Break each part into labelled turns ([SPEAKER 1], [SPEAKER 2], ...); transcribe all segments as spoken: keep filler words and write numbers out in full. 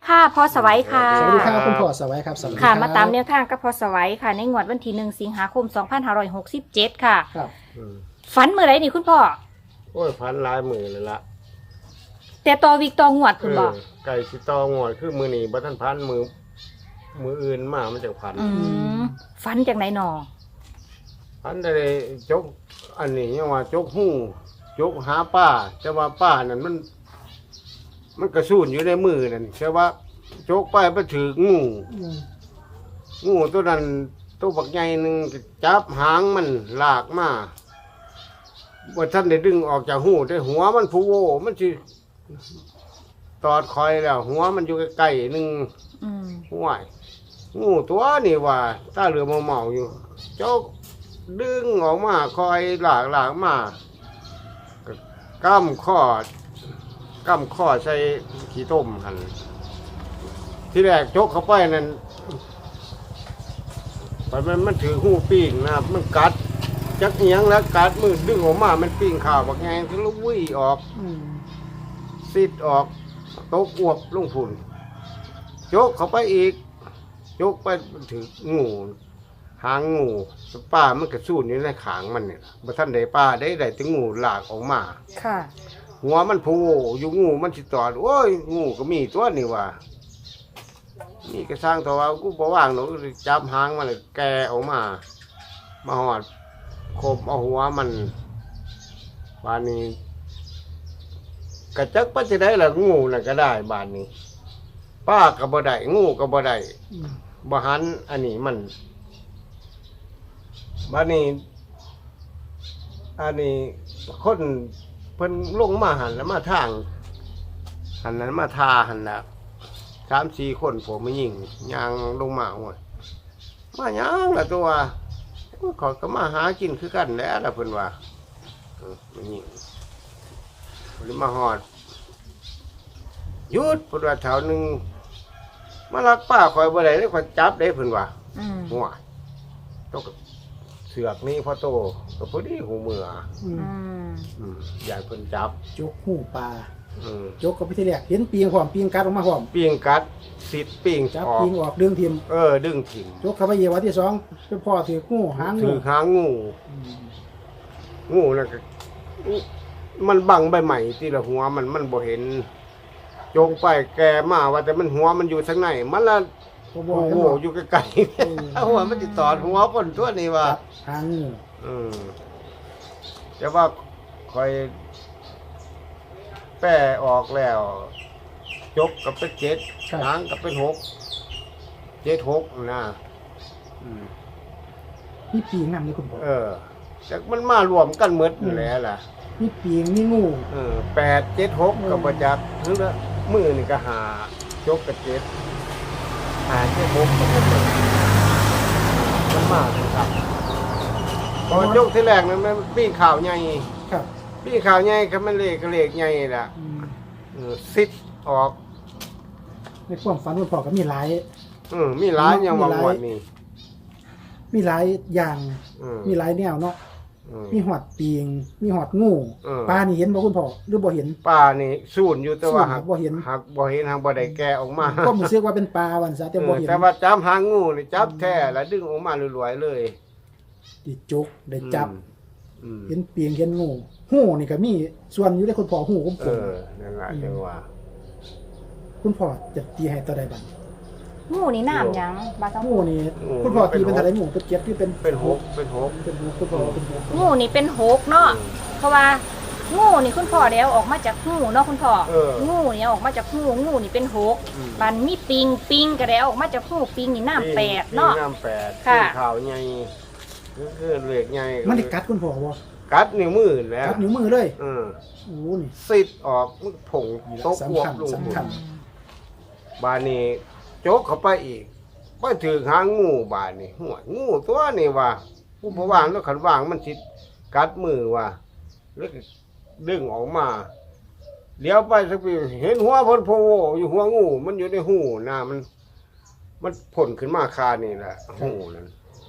[SPEAKER 1] ค่ะพอสวัยค่ะ
[SPEAKER 2] สวัสดีครับคุณพ่อสวัยครับสวัสดี
[SPEAKER 1] ค่ะ
[SPEAKER 2] รับ
[SPEAKER 1] มาตามแนวทางกับพอสวัยค่ะ ในงวดวันที่หนึ่งสิงหาคมสองพันห้าร้อยหกสิบเจ็ดค่ะ
[SPEAKER 2] ครับ
[SPEAKER 3] อืม
[SPEAKER 1] ฝันเมื่อไรนี่คุณพ่อ
[SPEAKER 3] โอ้ยพันหลายมือเลยละ
[SPEAKER 1] แต่ต่อวิกต่องวดคุณบอก
[SPEAKER 3] เออไก่สิตองวดคือมือนี่บัทันพันมือมืออื่นมามันจะพัน
[SPEAKER 1] อืมฝันจากไหนหนอ
[SPEAKER 3] พันได้จกอันนี้ยังว่าจกหู้จกหาป้าแต่ว่าป้านั่นมัน มันกระสูนอยู่ในมือนั่นแต่ว่าจกไปไปถืองู
[SPEAKER 2] อืม
[SPEAKER 3] งูตัวนั้นตัวบักใหญ่หนึ่งจับหางมันลากมาว่าท่านได้ดึงออกจากหูได้หัวมันผูโวมันสิตอดคอยแล้ว หัวมันอยู่ใกล้ๆหนึ่ง
[SPEAKER 1] อืม
[SPEAKER 3] ห่วยงูตัวนี่ว่าตาเหลือมเมาๆอยู่ เจ้าดึงออกมาคอยหลากหลากมาก็ก้ำข้อก้ำข้อใส่ขี้ต้มหันที่แรกจกเข้าไปนั่นไปมันมันถือหูปิ้งนะครับมันกัดจักเอียงแล้วกัดมือดึงออกมามันปิ้งข่าวบักแงงคือลุวิ่ออก
[SPEAKER 2] อืม
[SPEAKER 3] ซิดออกตกอวบลงฝุ่นโจกเข้าไปอีกโจกไปถืองูหางงูป้ามันกระสูนอยู่ในขางมันเนี่ยบ่ท่านได้ป้าได้ได้ถึงงูหลากออกมา
[SPEAKER 1] ค่ะ
[SPEAKER 3] หัวมันผูอยู่งูมันสิตอดโอ้ยงูก็มีตัวนี่ว่านี่ก็สร้างตัวว่ากูบ่ว่างหนูจับหางมันเลยแกออกมามาหอดคมเอาหัวมันบานนี้กระจักปัจจัยได้ละงูน่ะก็ได้บานนี้ ป้าก็บ่ได้งูก็บ่ได้
[SPEAKER 2] อืม
[SPEAKER 3] บ่หันอันนี้มันบานนี้ อันนี้คนเพิ่นลงมาหันแล้วมาทาง หันนั้นมาทาหันละสามสี่คนผมมายิงยางลงมาหมดมายางละตัวขอยก็มาหากินคือกันแหล้วละเพิ่นว่าเออมายิงหรือมาหอดหยุดเพิ่นว่าแถวหนึ่งมาลักป้าคอยบ่ได้เลยคอยจับได้เพิ่นว่า
[SPEAKER 1] อืม
[SPEAKER 3] หัวต้องเสือกนี่พอโตก็พอดีหูมือ
[SPEAKER 2] อืม
[SPEAKER 1] อืม
[SPEAKER 3] อืมอยากเพิ่นจับ
[SPEAKER 2] จกหูปลา
[SPEAKER 3] อืม
[SPEAKER 2] จกกับพิธีแรกเห็นปีงพร้อมปีงกัดออกมาพร้อม
[SPEAKER 3] ปิ้งกัดสิดปิ้ง
[SPEAKER 2] จับ
[SPEAKER 3] ออก
[SPEAKER 2] ปีงออกดึงทิม
[SPEAKER 3] เออ ดึงถิ่ม
[SPEAKER 2] จกเข้าไปเหยียบวันที่สองไปพ่อถือหูหางงู
[SPEAKER 3] ถือหางงู
[SPEAKER 2] อืม
[SPEAKER 3] งูนั่นก็มันบังใบใหม่ที่ละหัวมันมันบ่เห็นจงไปแกมาว่าแต่มันหัวมันอยู่ทางไหนมันละ
[SPEAKER 2] บ่บ
[SPEAKER 3] โอ้
[SPEAKER 2] อก
[SPEAKER 3] โห
[SPEAKER 2] กันหรอก
[SPEAKER 3] อยู่ไกล
[SPEAKER 2] เออ
[SPEAKER 3] ๆเอาหัวมันติดต่อดหัวคนตัวนี้ว่า
[SPEAKER 2] จับหางงู
[SPEAKER 3] อืมแต่ว่าคอยแป้ออกแล้วจกกับเป็นเจ็ดหางกับเป็นหกเจ็ดหกนะอืม
[SPEAKER 2] มีปีงนำนี่คุณพ่อ
[SPEAKER 3] เออแต่มันมารวมกันหมดอยู่แล้วล่ะ
[SPEAKER 2] มีปีงมีงู
[SPEAKER 3] เออแปดเจ็ดหกกับประจักษ์หรือว่ามือนี่ก็หาจกกับเจ็ดหาเจ็ดหกกับเป็นเลยมันมากครับพอยกที่แรกนั้นมันปีนข่าวใหญ่
[SPEAKER 2] ครับ
[SPEAKER 3] ปีนข่าวใหญ่ก็มันเลขก็เลขใหญ่ล่ะ
[SPEAKER 2] อืม
[SPEAKER 3] เออซิดออก
[SPEAKER 2] ในความฝันคุณพ่อก็มีหลาย
[SPEAKER 3] อืมมีหลายอย่าง
[SPEAKER 2] มี
[SPEAKER 3] วาง
[SPEAKER 2] หลาย
[SPEAKER 3] วันนี้
[SPEAKER 2] มีหลายอย่าง
[SPEAKER 3] อืม
[SPEAKER 2] มีหลายแนวเนาะ
[SPEAKER 3] อืม
[SPEAKER 2] มีหอดปีง มีหอดงู
[SPEAKER 3] เออ
[SPEAKER 2] ปลานี่เห็นบ่คุณพ่อหรือบ่เห็น
[SPEAKER 3] ป้านี่สูนอยู่แต่ว่า
[SPEAKER 2] สูญ
[SPEAKER 3] หัก
[SPEAKER 2] บ่เห็น
[SPEAKER 3] หักบ่เห็นหักบ่ได้แกะออกมา
[SPEAKER 2] ก็รู้สึกว่าเป็นปลาวันซะแต่บ่
[SPEAKER 3] เออ
[SPEAKER 2] เห็น
[SPEAKER 3] แต่ว่าจับหางงูนี่จับแท้แล้วดึงออกมาลอยๆเลย
[SPEAKER 2] ดิจกได้จับ
[SPEAKER 3] อืม
[SPEAKER 2] เห็นปีงเห็นงูหูนี่ก็มีส่วนอยู่ในคุณพ่อหูผม
[SPEAKER 3] เออนั่นแหละจังว่า
[SPEAKER 2] คุณพ่อจะตีให้ตัวใดบัด
[SPEAKER 1] งูนี่น้ำหยังบาส
[SPEAKER 2] งูนี่คุณพ่อตีเป็นเท่าไหร่งูเป็นเจ็ดที่เป็น
[SPEAKER 3] เป็นหกเป็นหก
[SPEAKER 2] เป็นหกคุณพ่อเป็นหก
[SPEAKER 1] งูนี่เป็นหกเนาะ เพราะว่างูนี่คุณพ่อแล้วออกมาจากหูเนาะคุณพ่อ
[SPEAKER 3] เออ
[SPEAKER 1] งูนี่ออกมาจากหูงูนี่เป็นหก
[SPEAKER 3] อืม
[SPEAKER 1] มันมีปิงปิงก็แล้วออกมาจากหูปิงนี่น้ำแปดเนาะ
[SPEAKER 3] น้ำแปด
[SPEAKER 1] ค่ะ
[SPEAKER 3] ข่าวใหญ่คือคือเหล็กใหญ่
[SPEAKER 2] มันได้กัดคุณพ่อบ่
[SPEAKER 3] กัดนิ้วมือแล้ว
[SPEAKER 2] กัดนิ้วมือเลย
[SPEAKER 3] เออ
[SPEAKER 2] โอ้นี่
[SPEAKER 3] ซิดออกมันผงตกอวบ
[SPEAKER 2] สำคัญ
[SPEAKER 3] ลง
[SPEAKER 2] สำคัญ
[SPEAKER 3] บานนี้โจกเข้าไปอีกไปถือหางงูบานนี้หัวงูตัวนี่ว่าผู้พวางแล้วขันวางมันสิกัดมือว่าแล้วก็ดึงออกมาเดี๋ยวไปสักปีเห็นหัวพนโพโวอยู่หัวงูมันอยู่ในหูนะมัน มันผลขึ้นมาคานี่แหละหูนั้น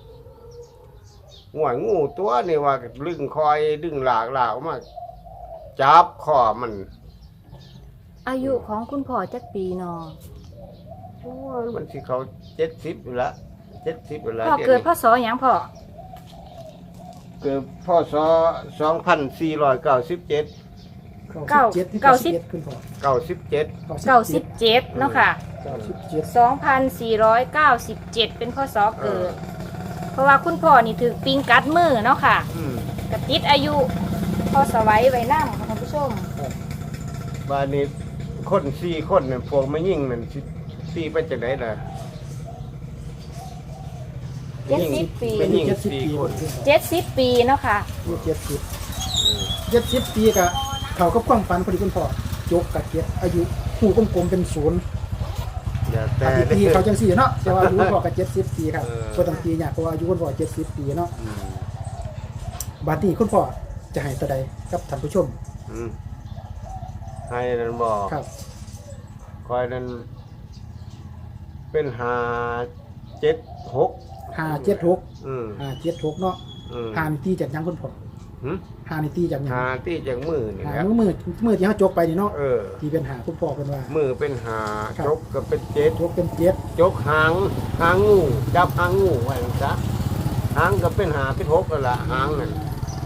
[SPEAKER 3] หัวงูตัวนี่ว่าดึงคอยดึงหลากหลากออกมาจับคอมัน
[SPEAKER 1] อายุของคุณพ่อจักปีเนาะ
[SPEAKER 3] โอ้ยมันสิเขาเจ็ดสิบอยู่ละเจ็ดสิบอยู่ละ
[SPEAKER 1] พ่อเกิดพศหยังพ่อ
[SPEAKER 3] เกิดพศสองพันสี่ร้อยเก้าสิบเจ็ด
[SPEAKER 2] เก้าสิบเจ็ดที่เก้าสิบเจ็ดคุณพ่อ
[SPEAKER 3] เก้าสิบเจ็ด
[SPEAKER 1] เก้าสิบเจ็ดเนาะค่ะ
[SPEAKER 2] เก้าสิบเจ็ด
[SPEAKER 1] สองพันสี่ร้อยเก้าสิบเจ็ดเป็นพศเกิด เพราะว่าคุณพ่อนี่ถือปิงกัดมือเนาะค่ะ
[SPEAKER 3] อืม
[SPEAKER 1] กระติดอายุพอสไว้ไว้นั่งค่ะท่านผู้ชม
[SPEAKER 3] บ้านนี้คนสี่คนเนี่ยพวกไม่ยิ่งนั่นสิสี่ไปจากไหนล่ะ
[SPEAKER 1] เจ็ดสิบปี
[SPEAKER 3] ไม่ยิ่ง
[SPEAKER 2] เจ็ดสิบ
[SPEAKER 3] สี่
[SPEAKER 2] ปี
[SPEAKER 3] คน
[SPEAKER 1] เจ็ดสิบปีเนาะค่ะ
[SPEAKER 2] มีเจ็ดสิบเจ็ดสิบปีกะเขากับความฝันพอดีคุณพ่อยกกับเจ็ดอายุหูกลมๆเป็นศูนย์
[SPEAKER 3] อย่าแต่
[SPEAKER 2] อายุปีเขาจังสี่เนาะแต่ว่าอายุคุณพ่อกับเจ็ดสิบปีครับ
[SPEAKER 3] เออ
[SPEAKER 2] ก็ต้องปีเนี่ยเพราะว่าอายุคุณพ่อเจ็ดสิบปีเนาะ
[SPEAKER 3] อืม
[SPEAKER 2] บัดนี้คุณพ่อจะให้ตัวใดกับท่านผู้ชม
[SPEAKER 3] อืมให้นั่นบอก
[SPEAKER 2] ครับ
[SPEAKER 3] คอยนั้นเป็นหาเจ็ดหก
[SPEAKER 2] ห้าเจ็ดหก
[SPEAKER 3] อืม
[SPEAKER 2] ห้าเจ็ดหกเนาะ
[SPEAKER 3] อืม
[SPEAKER 2] ห้านิตีจากหยังคุณพ่อ
[SPEAKER 3] หึ
[SPEAKER 2] ห้านิตีจากหยัง
[SPEAKER 3] หาที่จากมือนี่
[SPEAKER 2] หา
[SPEAKER 3] แหละ
[SPEAKER 2] มือมือมือที่เขาจกไปนี่เนาะ
[SPEAKER 3] เออ
[SPEAKER 2] ที่เป็นหาคุณพ่อเป็นว่า
[SPEAKER 3] มือเป็นหา
[SPEAKER 2] ครับ
[SPEAKER 3] จกก็เป็นเจ็ด
[SPEAKER 2] จกเป็นเจ็ด
[SPEAKER 3] จกหางหางงูจับหางงูไว้นะจ๊ะหางก็เป็นหาเป็นหกแล้วล่ะหางนั่น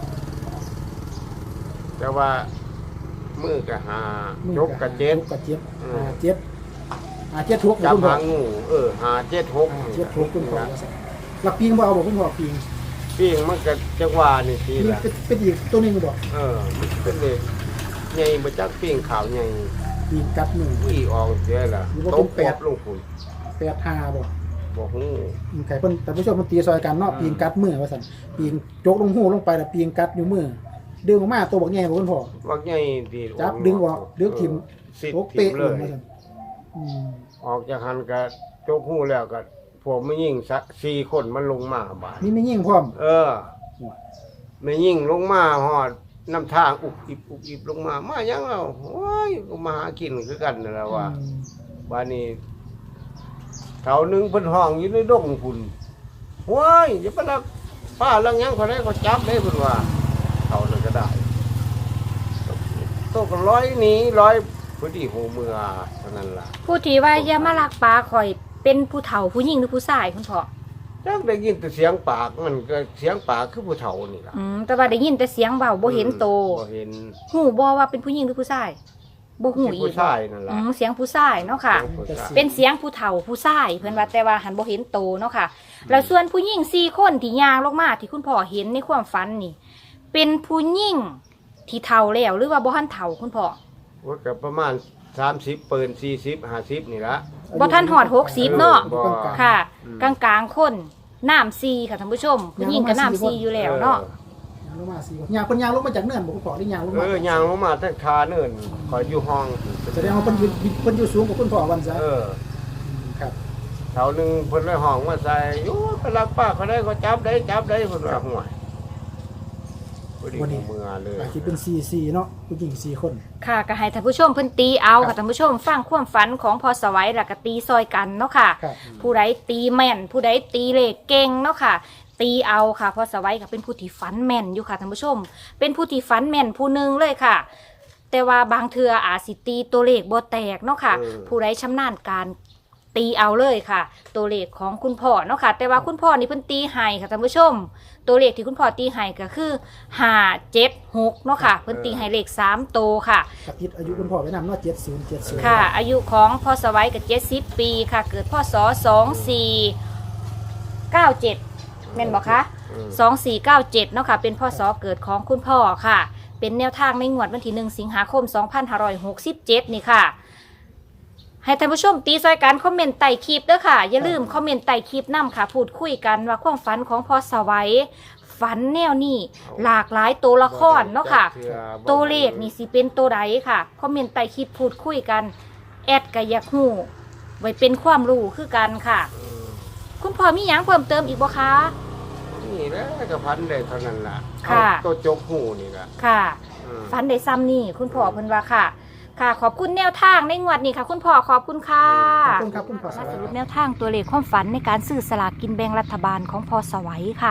[SPEAKER 3] แต่ว่ามือกับหา
[SPEAKER 2] มือ
[SPEAKER 3] จกกับเจ็ด
[SPEAKER 2] จกกับเจ็ด
[SPEAKER 3] อืม
[SPEAKER 2] ห้าเจ็ดห้าเจ็ดหก
[SPEAKER 3] จับ
[SPEAKER 2] คุณพ่อ
[SPEAKER 3] หางงูเออหาเจ็ดหก
[SPEAKER 2] ห้าเจ็ดหกคุณพ่อหลักปิงบ่เอาบอกคุณพ่อปิง
[SPEAKER 3] ปิ้งมันก็จังหวะนี่ที
[SPEAKER 2] ปิง
[SPEAKER 3] ละ
[SPEAKER 2] เป็นเป็นอีกตัวหนึงบอก
[SPEAKER 3] เออมันเป็นเด็กใหญ่มาจากปิ้งขาวใหญ่
[SPEAKER 2] ปิงกัดหนึ่ง
[SPEAKER 3] วิ่ออกเสียละ
[SPEAKER 2] หรือว่า
[SPEAKER 3] ต
[SPEAKER 2] เป็น
[SPEAKER 3] ก
[SPEAKER 2] แป
[SPEAKER 3] แป
[SPEAKER 2] ด
[SPEAKER 3] ดลงคุณ
[SPEAKER 2] แปดห้าบอก
[SPEAKER 3] บอกหู
[SPEAKER 2] อืมไข่เพิ่นแต่ผู้ชมมันตีซอยกันเนาะ
[SPEAKER 3] อืม
[SPEAKER 2] ปิงกัดมือว่าซั่นปิงจกลงหูลงไปแล้วปิงกัดอยู่มือดึงออกมาตัวบอกแง่บอกคุณพ่อ
[SPEAKER 3] ว่าใหญ่ดี
[SPEAKER 2] จับดึงออกดึงทิ่ม
[SPEAKER 3] สิ
[SPEAKER 2] โต
[SPEAKER 3] ทิ่
[SPEAKER 2] เป๊ะ
[SPEAKER 3] ม
[SPEAKER 2] เล
[SPEAKER 3] เลย ย
[SPEAKER 2] ว่าซั่นอืม
[SPEAKER 3] ออกจากหันก็โจกหูแล้วก็พวกไม่ยิ่งสักสี่คนมันลงมาบาด
[SPEAKER 2] มีไม่ยิ่งพร้อม
[SPEAKER 3] เออไม่ยิ่งลงมาหอดน้ำทางอุบอิบอุบอิบลงมามายังเอาโอ้ยก็มาหากินคือกันนั่นแหละว่า
[SPEAKER 2] อืม
[SPEAKER 3] บ้านนี้แถวหนึงเพิ่นห้องอยู่ในดงคุณว้ายอย่าไปลักป้าลังยังเขาได้ก็จับได้เพิ่นว่าเขาเลยก็ได้โตก็ร้อยหนี้ร้อยพอดีหูเมือเท่านั้นล่ะ
[SPEAKER 1] ผู้ที่ว่าอย่ามาลักปลาข่อยเป็นผู้เฒ่าผู้หญิงหรือผู้ชายคุณพ่อ
[SPEAKER 3] จักได้ยินแต่เสียงปากมันก็เสียงปากคือผู้เฒ่านี่ล่ะ
[SPEAKER 1] อืมแต่ว่าได้ยินแต่เสียงเบาบ่เห็นโต
[SPEAKER 3] บ่เห็น
[SPEAKER 1] หูบ่ว่าเป็นผู้หญิงหรือผู้ชายบ่หูอี
[SPEAKER 3] ผู้
[SPEAKER 1] ก
[SPEAKER 3] ชายนั่น
[SPEAKER 1] อื
[SPEAKER 3] ล่ะ
[SPEAKER 1] มเสียงผู้ชายเนาะค่ะ
[SPEAKER 3] ผู้ชาย
[SPEAKER 1] เป็นเสียงผู้เฒ่าผู้ชายเพิ่นว่าแต่ว่าหันบ่เห็นโตเนาะค่ะ แล้วส่วนผู้หญิงสี่คนที่ย่างลงมาที่คุณพ่อเห็นในความฝันนี่ เป็นผู้หญิงที่เฒ่าแล้วหรือว่าบ่ทันเฒ่าคุณพ่อ
[SPEAKER 3] ว่าก็ประมาณสามสิบเปินสี่สิบห้าสิบนี่ละ
[SPEAKER 1] บ่ทันฮอดหกสิบเนาะ
[SPEAKER 3] บ่
[SPEAKER 1] ค่ะ
[SPEAKER 3] อืม
[SPEAKER 1] กลางๆคนน้ำซีค่ะท่านผู้ชม ผู้หญิงก็น้ำซีอยู่แล้วเนาะ
[SPEAKER 2] ยางลงมาสี่คนยางคนยางลงมาจากเนินบอกคุณพ่อได้ยางลง
[SPEAKER 3] เอ
[SPEAKER 2] มา
[SPEAKER 3] อย่างลงมาทั้งคาเนินคอยอยู่ห้อง
[SPEAKER 2] แสดงว่าเพิ่นอยู่เพิ่นอยู่สูงกว่าคุณพ่อวันซะ
[SPEAKER 3] เออ
[SPEAKER 2] ครับ
[SPEAKER 3] แถวหนึงเพิ่นเลยห้องมาใส่โอ้ไปรักป้าเขาได้ก็จับได้จับได้เพิ่นว่าห่วยพอดี
[SPEAKER 2] วันนี้
[SPEAKER 3] เมือเลย
[SPEAKER 2] อาจจะเป็นสี่สี่เนาะผู้หญิงสี่คน
[SPEAKER 1] ค่ะก็ให้ท่านผู้ชมเพิ่นตีเอาค่ะท่านผู้ชมฟังความฝันของพอสวัยแล้วก็ตีซอยกันเนาะค่ะ
[SPEAKER 2] ครับ
[SPEAKER 1] ผู้ใดตีแม่น ผู้ใดตีเลขเก่งเนาะค่ะ ตีเอาค่ะพอสวัยก็เป็นผู้ที่ฝันแม่นอยู่ค่ะท่านผู้ชม เป็นผู้ที่ฝันแม่นผู้หนึงเลยค่ะ แต่ว่าบางเทื่ออาจสิตีตัวเลขบ่แตกเนาะค่ะ ผู้ใดชำนาญการตีเอาเลยค่ะ ตัวเลขของคุณพ่อเนาะค่ะ แต่ว่าคุณพ่อนี่เพิ่นตีให้ค่ะท่านผู้ชม ตัวเลขที่คุณพ่อตีให้ก็คือห้าเจ็ดหกเนาะค่ะเพิ่นตีให้เลขสามโตวค่ะ
[SPEAKER 2] กับทิศอายุคุณพ่อไว้นำเนาะเจ็ดศูนย์เจ็ดศูนย์
[SPEAKER 1] ค่ะ อายุของพ่อสวัยกับเจ็ดสิบปีค่ะ เกิดพ่อสอสองสี่เก้าเจ็ดแม่นบอกคะ
[SPEAKER 3] อืม
[SPEAKER 1] สองสี่เก้าเจ็ดเนาะค่ะ เป็นพ่อสอเกิดของคุณพ่อค่ะ เป็นแนวทางในงวดวันที่หนึ่งสิงหาคมสองพันห้าร้อยหกสิบเจ็ดนี่ค่ะ ให้ท่านผู้ชมตีซอยกันคอมเมนต์ใต้คลิปเด้อค่ะ อย่าลืมคอมเมนต์ใต้คลิปนํค่ะ พูดคุยกันว่าความฝันของพ่อสวัยฝันแนวนี้หลากหลายตัวละครเนาะค่ะ ตัวเลขนี่สิเป็นตัวใดค่ะ คอมเมนต์ใต้คลิปพูดคุยกัน แอดกะอยากฮู้ไว้เป็นความรู้คือกันค่ะ
[SPEAKER 3] อืม
[SPEAKER 1] คุณพ่อมีหยังเพิ่มเติมอีกบ่คะ
[SPEAKER 3] นี่แหละก็พันได้เท่านั้นล่ะ
[SPEAKER 1] ค่ะ
[SPEAKER 3] เอาตัวจกหูนี่ล่ะ
[SPEAKER 1] ค่ะ
[SPEAKER 3] อืม
[SPEAKER 1] ฝันได้ซ้ำนี่คุณพ่อเพิ่นว่าค่ะ ค่ะ ขอบคุณแนวทางในงวดนี้ค่ะ คุณพ่อขอบคุณค่ะ
[SPEAKER 2] ขอบคุณครับคุณพ่อส
[SPEAKER 1] มา
[SPEAKER 2] วั
[SPEAKER 1] ส
[SPEAKER 2] ย
[SPEAKER 1] รุปแนวทางตัวเลขความฝันในการซื้อสลากกินแบ่งรัฐบาลของพอสวัยค่ะ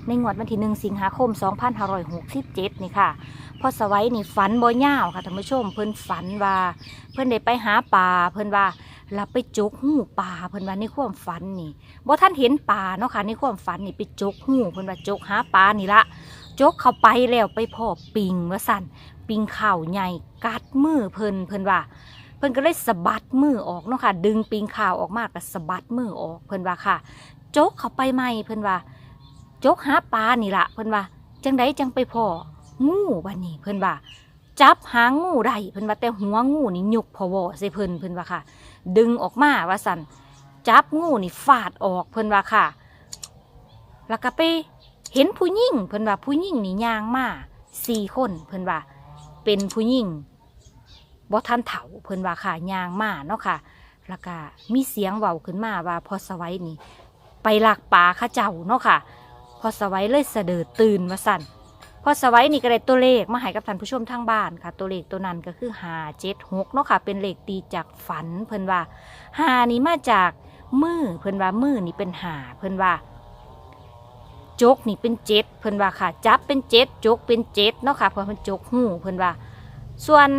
[SPEAKER 1] ในงวดวันที่หนึ่งสิงหาคมสองพันห้าร้อยหกสิบเจ็ดนี่ค่ะพอสวัยนี่ฝันบ่ยาวค่ะท่านผู้ชมเพิ่นฝันว่าเพิ่นได้ไปหาปลาเพิ่นว่าเราไปจกหูปลาเพิ่นว่าในความฝันนี่บ่ท่านเห็นปลาเนาะค่ะในความฝันนี่ไปจกหูเพิ่นว่าจกหาปลานี่ละจกเข้าไปแล้วไปพ่อปิงว่าสั่นปิงข่าวใหญ่กัดมือเพิ่นเพิ่นว่าเพิ่นก็เลยสะบัดมือออกเนาะค่ะดึงปิงข่าวออกมาก็สะบัดมือออกเพิ่นว่าค่ะจกเข้าไปใหม่เพิ่นว่าจกหาปลานี่ละเพิ่นว่าจังไดจังไปพ่องูบัดนี้เพิ่นว่าจับหางงูได้เพิ่นว่าแต่หัวงูนี่ยกพอวอใส่เพิ่นเพิ่นว่าค่ะดึงออกมาว่าสั่นจับงูนี่ฟาดออกเพิ่นว่าค่ะแล้วก็ไปเห็นผู้หญิงเพิ่นว่าผู้หญิงนี่ย่างมาสี่คนเพิ่นว่าเป็นผู้หญิงบ่ทันเฒ่าเพิ่นว่าค่ะย่างมาเนาะค่ะแล้วก็มีเสียงเว้าขึ้นมาว่าพอสวัยนี่ไปลักปลาข้าเจ้าเนาะค่ะพอสวัยเลยเสดอตื่นว่าสั่นพอสวัยนี่ก็ได้ตัวเลขมาให้กับท่านผู้ชมทางบ้านค่ะตัวเลขตัวนั้นก็คือห้าเจ็ดหกเนาะค่ะเป็นเลขตีจากฝันเพิ่นว่าห้านี่มาจากมือเพิ่นว่ามือนี่เป็นห้าเพิ่นว่าจกนี่เป็นเจ็ดเพิ่นว่าค่ะจับเป็นเจ็ดจกเป็นเจ็ดเนาะค่ะเพราะมันจกหูเพิ่นว่าส่วน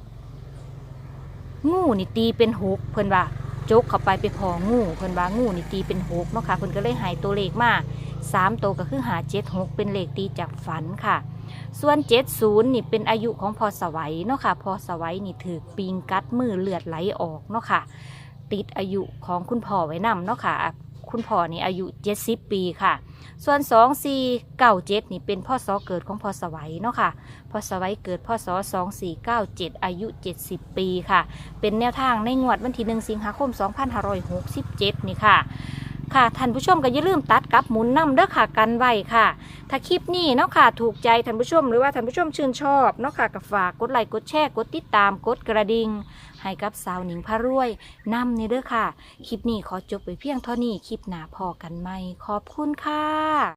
[SPEAKER 1] งูนี่ตีเป็นหกเพิ่นว่าจกเข้าไปไปพองูเพิ่นว่างูนี่ตีเป็นหกเนาะค่ะเพิ่นก็เลยให้ตัวเลขมาสามตัวก็คือหาเจ็ดหกเป็นเลขตีจากฝันค่ะส่วนเจ็ดศูนย์นี่เป็นอายุของพอสวัยเนาะค่ะพอสวัยนี่ถือปิงกัดมือเลือดไหลออกเนาะค่ะติดอายุของคุณพ่อไว้นำเนาะค่ะคุณพ่อนี่อายุเจ็ดสิบปีค่ะส่วนสองสี่เก้าเจ็ดนี่เป็นพ่อสอเกิดของพอสวัยเนาะค่ะพอสวัยเกิดพ่อสอสองสี่เก้าเจ็ดอายุเจ็ดสิบปีค่ะเป็นแนวทางในงวดวันที่หนึ่งสิงหาคมสองพันห้าร้อยหกสิบเจ็ดนี่ค่ะค่ะท่านผู้ชมก็อย่าลืมตัดกับหมุนนำเด้อค่ะกันไว้ค่ะถ้าคลิปนี้เนาะค่ะถูกใจท่านผู้ชมหรือว่าท่านผู้ชมชื่นชอบเนาะค่ะก็ฝากกดไลค์กดแชร์กดติดตามกดกระดิ่งให้กับสาวหนิงพารวยนำนี่เด้อค่ะคลิปนี้ขอจบไปเพียงเท่านี้คลิปหน้าพอกันใหม่ขอบคุณค่ะ